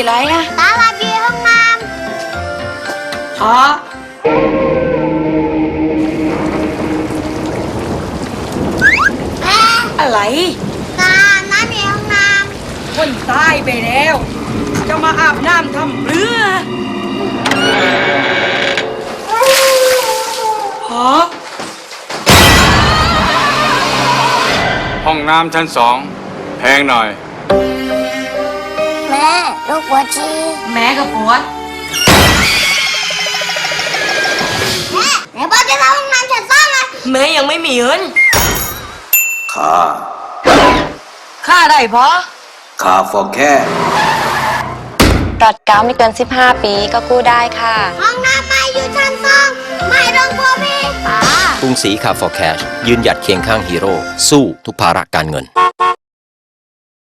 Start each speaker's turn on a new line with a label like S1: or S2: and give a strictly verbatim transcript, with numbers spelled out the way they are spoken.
S1: อะไรอะ
S2: ตาลาบีห้องน้
S1: ฮะ
S2: ำแม่
S1: อะไร
S2: ตาน้ำมีห้องน้
S1: คนตายไปแล้ว จะมาอาบน้ำทำเรือฮะ
S3: ห้องน้ำชั้นสองแพงหน่อย
S2: ำแม่ลูกปวดฉี่
S1: แม่กับปวด
S2: แม่ไหนบอกจะทำห้องน้ำชั้นสองอะ
S1: แม่ยังไม่มีเงิน
S4: ค่า
S1: ค่าได้พอ
S4: ค่าฟอแค่
S5: รถเก้าไม่เกินสิบห้าปีก็กู้ได้ค่ะ
S2: ห้องน้ำไม่อยู่ชั้นสองไม่ต้องกลัวพี่ป้าก
S6: รุงศรีคาร์ฟอร์แคชยืนหยัดเคียงข้างฮีโร่สู้ทุกภาระการเงิน